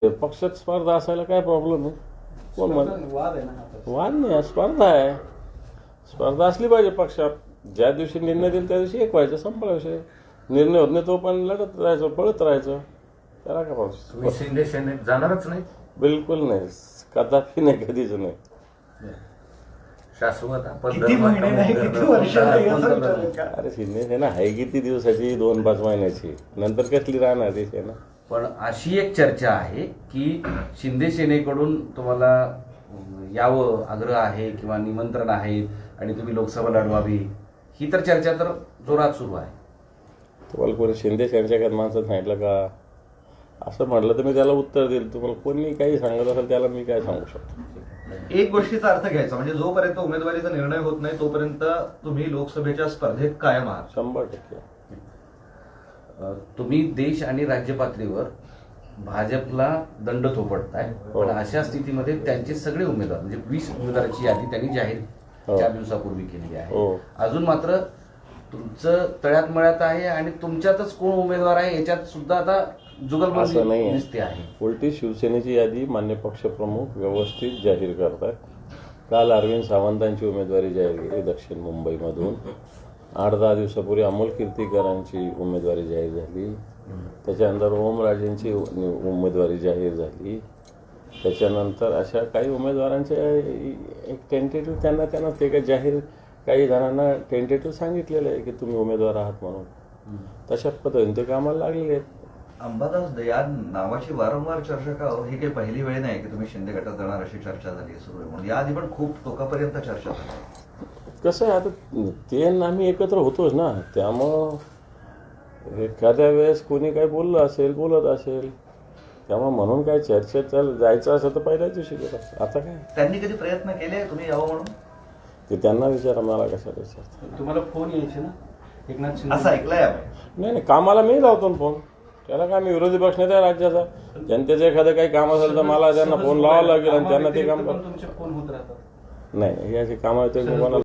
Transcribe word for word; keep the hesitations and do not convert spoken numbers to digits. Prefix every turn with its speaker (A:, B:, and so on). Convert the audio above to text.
A: पक्षात स्पर्धा असायला काय प्रॉब्लेम आहे? कोण म्हण
B: वाद आहे ना हा.
A: वाद नाही, स्पर्धा आहे. स्पर्धा असली पाहिजे पक्षात. ज्या दिवशी निर्णय देईल त्या दिवशी एक व्हायचं, संपला विषय. निर्णय होत नाही तो पण लढत राहायचं, पळत राहायचं. त्याला काय प्रॉब्लेम?
C: तुम्ही शिंदे सेनेत जाणारच नाही?
A: बिलकुल नाही, कदापि नाही, कधीच नाही.
C: शाश्वत आपण
B: किती महिने नाही, किती वर्ष नाही असं विचारलं का?
A: अरे शिंदे सेना आहे किती दिवसाची? दोन पाच महिन्याची. नंतर कसली राहणार ती सेना?
C: पण अशी एक चर्चा आहे की शिंदे सेनेकडून तुम्हाला यावं आग्रह आहे किंवा निमंत्रण आहे आणि तुम्ही लोकसभा लढवावी, ही तर चर्चा तर जोरात सुरू आहे.
A: तुम्हाला कोणी शिंदे सेनेच्या माणसं सांगितलं का? असं म्हटलं तर मी त्याला उत्तर देईल. तुम्हाला कोणी काही सांगत असेल त्याला मी काय सांगू शकतो?
D: एक गोष्टीचा अर्थ घ्यायचा म्हणजे जोपर्यंत उमेदवारीचा निर्णय होत नाही तोपर्यंत तुम्ही लोकसभेच्या स्पर्धेत कायम आहात.
A: शंभर टक्के.
C: अ, तुम्ही देश आणि राज्य पातळीवर भाजपला दंड थोपटताय, पण अशा स्थितीमध्ये त्यांचे सगळे उमेदवार म्हणजे वीस उमेदवाराची यादी त्यांनी जाहीर चार दिवसापूर्वी केली आहे. अजून मात्र तुमचं तळ्यात मळ्यात आहे आणि तुमच्यातच कोण उमेदवार आहे याच्यात सुद्धा आता जुगलबंदी
A: असं नाही
C: दिसते आहे.
A: उलटी शिवसेनेची यादी मान्य पक्षप्रमुख व्यवस्थित जाहीर करतात. काल अरविंद सावंतांची उमेदवारी जाहीर केली दक्षिण मुंबईमधून. आठ दहा दिवसापूर्वी अमोल कीर्तीकरांची उमेदवारी जाहीर झाली. त्याच्यानंतर ओमराजेंची उमेदवारी जाहीर झाली. त्याच्यानंतर अशा काही उमेदवारांचे एक टेंटेटिव्ह त्यांना त्यांना ते काही जाहीर काही जणांना टेंटेटिव्ह सांगितलेलं आहे की तुम्ही उमेदवार आहात म्हणून. तशा पद्धतीने ते कामाला लागलेले आहेत.
D: अंबादास या नावाची वारंवार चर्चा का हो? ही काही पहिली वेळ नाही की तुम्ही शिंदे गटात जाणार अशी चर्चा झाली आहे सुरू आहे म्हणून. याआधी पण खूप टोकापर्यंत चर्चा झाली.
A: कसं आहे आता ते आणि आम्ही एकत्र होतोच ना, त्यामुळं एखाद्या वेळेस कोणी काही बोललं असेल बोलत असेल त्यामुळे म्हणून काय चर्चेत चाल जायचं असेल तर पहिल्याच दिवशी गेलं. आता काय
D: त्यांनी कधी प्रयत्न केले तुम्ही यावं म्हणून?
A: ते त्यांना विचारा, मला कशाला विचारतात?
B: तुम्हाला फोन यायचे ना एकनाथ शिंदे?
D: असं ऐकलंय आम्ही.
A: नाही नाही, कामाला मी लावतो ना फोन. त्याला काय, मी विरोधी पक्ष नाही त्या राज्याचा. जनतेचं एखादं काही काम असेल तर मला त्यांना फोन लावावं लागेल आणि त्यांना ते काम कर.
B: तुमचे फोन होत राहतात.
A: नाही याची कामं आहेत ते कोणाला